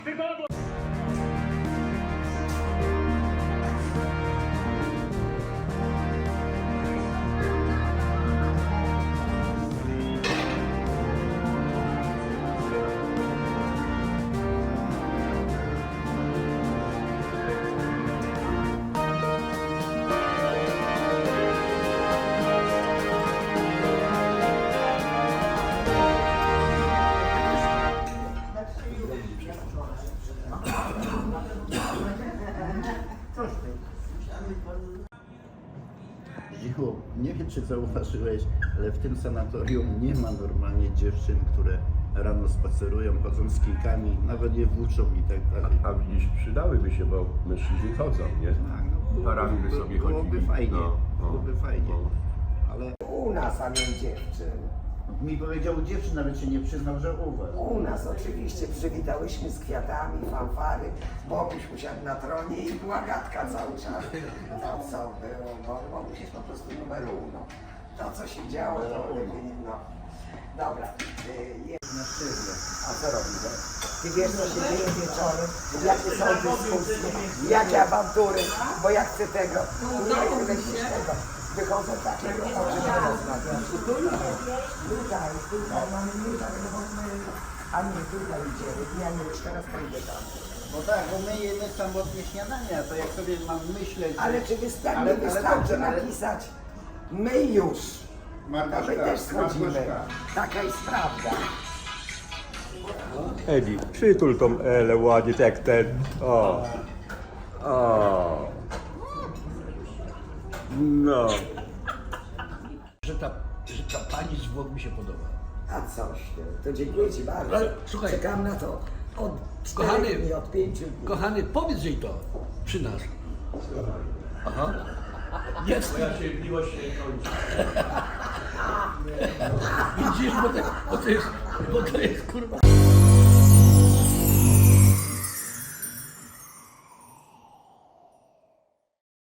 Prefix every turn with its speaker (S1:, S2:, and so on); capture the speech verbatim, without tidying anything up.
S1: Zdzichu, nie wiem czy zauważyłeś, ale w tym sanatorium nie ma normalnie dziewczyn, które rano spacerują, chodzą z kijkami, nawet je włóczą i tak dalej.
S2: A widzisz, przydałyby się, bo mężczyźni chodzą, nie?
S1: Tak, no,
S2: Parami by sobie
S1: byłoby
S2: chodzili.
S1: fajnie,
S2: No, no,
S1: byłoby fajnie,
S2: no.
S1: ale
S3: U nas, a nie dziewczyn.
S1: mi powiedział dziewczyn, nawet się nie przyznał, że u was.
S3: U nas oczywiście przywitałyśmy z kwiatami, fanfary, Boguś usiadł na tronie i była gadka cały czas. No co było, bo Boguś jest po prostu numer uno. To co się działo, to lepiej, no. Dobra, y, jest na szybie. A co robimy? Ty wiesz co się dzieje wieczorem? Jakie są dyskusje, jakie awantury, bo ja chcę tego, nie chcę tego. Wychodzą takie oczy, że rozmawiam. Tutaj, tutaj mamy nie tak, a nie tutaj idziemy. Ja nie już teraz pójdę tam.
S1: No tak, bo my jemy samotnie śniadania, to jak sobie mam myśleć...
S3: Ale czy wystarczy,
S1: Ale- ale
S3: wystarczy
S1: dobrze, ale-
S3: napisać my już.
S1: Margoszka,
S3: To my też schodzimy.
S1: Margoszka.
S3: Taka jest prawda.
S2: Edi, przytul tą Elę ładnie, tak ten. O. O. No.
S4: Że ta, że ta pani z Włoch mi się podoba.
S3: A coś, ty, to dziękuję Ci bardzo.
S4: Ale słuchaj.
S3: Czekam na to od
S4: Kochany.
S3: czterech dni, od pięciu dni.
S4: Kochany, powiedz jej to przy nas. Aha. Nie wstydź.
S2: Moja cierpliwość się kończy.
S4: Widzisz, bo to, bo to jest, bo to jest kurwa